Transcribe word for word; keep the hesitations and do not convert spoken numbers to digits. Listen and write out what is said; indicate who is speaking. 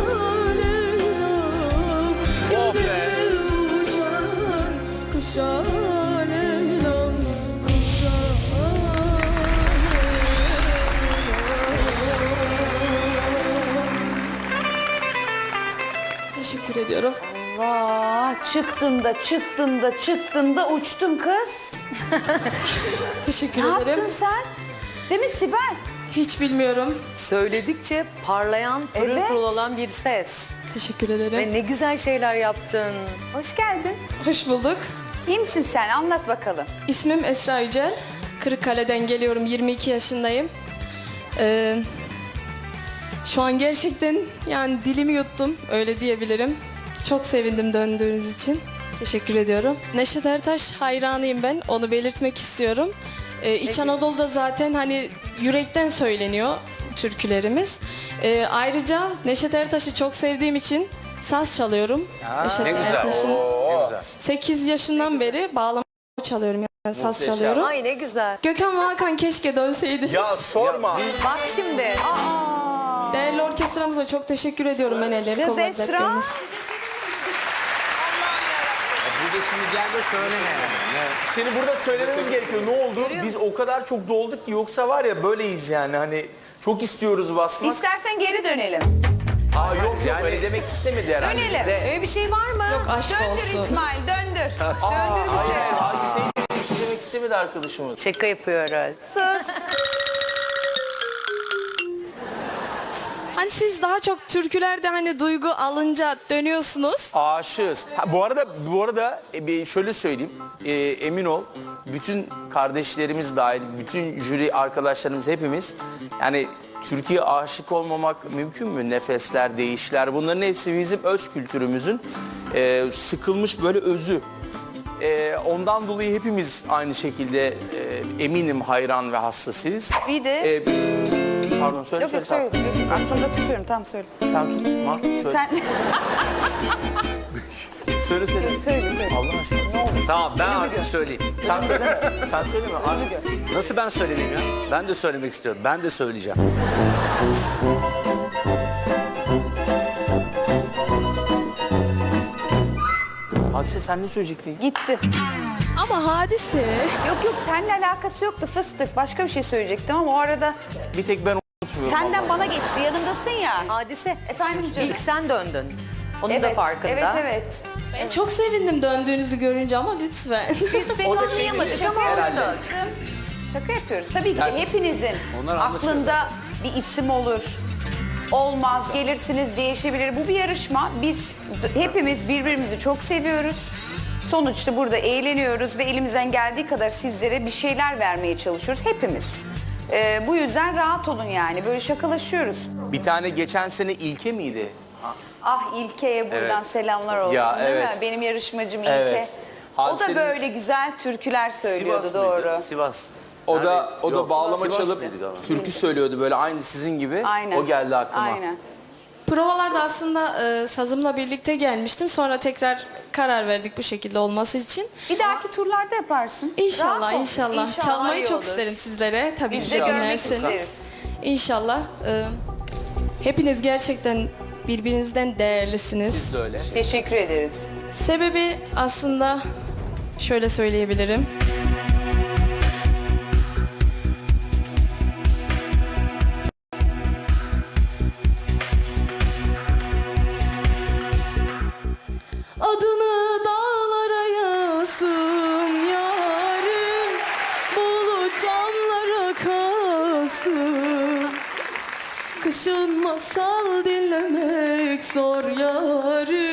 Speaker 1: Leyla'm,
Speaker 2: Oh be.
Speaker 1: uçan kuşa Leyla'm, kuşa Leyla'm.
Speaker 3: Teşekkür ediyorum.
Speaker 4: Vah, çıktın da çıktın da çıktın da uçtun kız.
Speaker 3: Teşekkür
Speaker 4: Ne
Speaker 3: ederim.
Speaker 4: yaptın sen? Değil mi Sibel?
Speaker 3: Hiç bilmiyorum.
Speaker 2: Söyledikçe parlayan, pırıl
Speaker 4: Evet.
Speaker 2: pırıl olan bir ses.
Speaker 3: Teşekkür ederim.
Speaker 2: Ve ne güzel şeyler yaptın.
Speaker 4: Hoş geldin.
Speaker 3: Hoş bulduk.
Speaker 4: İyi misin sen? Anlat bakalım.
Speaker 3: İsmim Esra Yücel. Kırıkkale'den geliyorum. yirmi iki yaşındayım. Ee, şu an gerçekten yani dilimi yuttum. Öyle diyebilirim. Çok sevindim döndüğünüz için. Teşekkür ediyorum. Neşet Ertaş hayranıyım ben. Onu belirtmek istiyorum. Ee, İç Anadolu'da zaten hani yürekten söyleniyor türkülerimiz. Ee, ayrıca Neşet Ertaş'ı çok sevdiğim için saz çalıyorum. Neşet
Speaker 5: Ne güzel.
Speaker 3: Ertaş'ın
Speaker 5: Ne güzel.
Speaker 3: sekiz yaşından beri bağlama çalıyorum. Yani saz
Speaker 5: Muhteşem.
Speaker 3: çalıyorum.
Speaker 2: Ay ne güzel.
Speaker 3: Gökhan ve Hakan keşke dönseydi.
Speaker 5: Ya sorma.
Speaker 2: Bak şimdi.
Speaker 3: Değerli orkestramıza çok teşekkür ediyorum ben elleri
Speaker 4: Kız
Speaker 3: kolları
Speaker 4: Esra.
Speaker 3: bekleriniz.
Speaker 5: Burada şimdi gel de söyle yani. Şimdi burada söylememiz gerekiyor. Ne oldu? Biz o kadar çok dolduk ki yoksa var ya böyleyiz yani. Hani çok istiyoruz basmak.
Speaker 4: İstersen geri dönelim.
Speaker 5: Aa yok yok öyle demek istemedi herhalde.
Speaker 4: Dönelim.
Speaker 5: De.
Speaker 2: Öyle bir şey var mı?
Speaker 3: Yok aşk
Speaker 4: Döndür
Speaker 3: olsun.
Speaker 4: İsmail, döndür.
Speaker 5: Aa, hayır hayır hadiseyi bir şey demek istemedi arkadaşımız.
Speaker 2: Şaka yapıyoruz.
Speaker 4: Sus.
Speaker 3: Hani siz daha çok türkülerde hani duygu alınca dönüyorsunuz.
Speaker 5: Aşığız. Ha, bu arada bu arada e, bir şöyle söyleyeyim. E, emin ol bütün kardeşlerimiz dahil, bütün jüri arkadaşlarımız hepimiz yani Türkiye aşık olmamak mümkün mü? Nefesler, değişler bunların hepsi bizim öz kültürümüzün e, sıkılmış böyle özü. E, ondan dolayı hepimiz aynı şekilde e, eminim hayran ve hassasıyız.
Speaker 4: Bir de...
Speaker 5: E, pardon söyle
Speaker 4: Yok
Speaker 5: söyle.
Speaker 4: yok söyle.
Speaker 5: tamam.
Speaker 4: Aklımda tutuyorum, tamam söyle.
Speaker 5: Sen tutma. Söyle.
Speaker 4: Sen
Speaker 5: Söyle söyle.
Speaker 4: söyle söyle.
Speaker 5: Allah aşkına ne oldu?
Speaker 6: Tamam ben artık söyleyeyim.
Speaker 5: Sen söyleme. Sen söyleme. Artık.
Speaker 6: Nasıl ben söylemeyeyim ya? Ben de söylemek istiyorum. Ben de söyleyeceğim.
Speaker 5: Hadise sen ne söyleyecektin?
Speaker 4: Gitti.
Speaker 3: Ama hadise.
Speaker 4: Yok yok seninle alakası yoktu fıstık. Başka bir şey söyleyecektim ama o arada
Speaker 5: Bir tek ben unutmuyorum.
Speaker 4: senden bana geçti. Yanımdasın ya.
Speaker 2: Hadise.
Speaker 4: Efendim canım.
Speaker 2: İlk sen döndün. Onun
Speaker 4: evet,
Speaker 2: da farkında.
Speaker 4: Evet evet.
Speaker 3: Ben çok sevindim döndüğünüzü görünce ama lütfen.
Speaker 2: Biz pek
Speaker 5: O da şey
Speaker 2: anlayamadık
Speaker 5: dedi,
Speaker 2: ama
Speaker 5: herhalde.
Speaker 2: oldu.
Speaker 4: Şaka yapıyoruz. Tabii ki de hepinizin
Speaker 6: Onlar anlaşıyor
Speaker 4: aklında bir isim olur. Olmaz, gelirsiniz, değişebilir. Bu bir yarışma. Biz d- hepimiz birbirimizi çok seviyoruz. Sonuçta burada eğleniyoruz ve elimizden geldiği kadar sizlere bir şeyler vermeye çalışıyoruz. Hepimiz. Ee, bu yüzden rahat olun yani. Böyle şakalaşıyoruz.
Speaker 5: Bir tane geçen sene İlke miydi?
Speaker 4: Ah İlke'ye buradan
Speaker 5: Evet.
Speaker 4: selamlar olsun
Speaker 5: Ya,
Speaker 4: değil
Speaker 5: evet.
Speaker 4: mi? Benim yarışmacım İlke.
Speaker 5: Evet.
Speaker 4: O da
Speaker 5: Hadisenin-
Speaker 4: böyle güzel türküler söylüyordu
Speaker 6: Sivas mıydı?
Speaker 4: doğru.
Speaker 6: Sivas.
Speaker 5: O da
Speaker 6: Nerede?
Speaker 5: o da
Speaker 6: Yok,
Speaker 5: bağlama
Speaker 6: Sivas
Speaker 5: çalıp
Speaker 6: mıydı galiba?
Speaker 5: türkü söylüyordu böyle aynı sizin gibi.
Speaker 4: Aynen.
Speaker 5: O geldi aklıma.
Speaker 4: Aynen.
Speaker 3: Provalarda aslında e, sazımla birlikte gelmiştim. Sonra tekrar karar verdik bu şekilde olması için.
Speaker 4: Bir dahaki turlarda yaparsın.
Speaker 3: İnşallah,
Speaker 4: Rahat ol.
Speaker 3: inşallah. Çalmayı
Speaker 4: iyi
Speaker 3: çok
Speaker 4: olur.
Speaker 3: isterim sizlere. Tabii
Speaker 4: Biz
Speaker 3: ki
Speaker 4: de
Speaker 3: de
Speaker 4: görmek
Speaker 3: dinlersiniz.
Speaker 4: isteriz.
Speaker 3: İnşallah. e, hepiniz gerçekten birbirinizden değerlisiniz.
Speaker 5: Siz de öyle.
Speaker 4: Teşekkür ederiz.
Speaker 3: Sebebi aslında şöyle söyleyebilirim. Adını dağlara yazdım yarim, bulut camlara kastım. Kışın masal dinlemek zor yarim.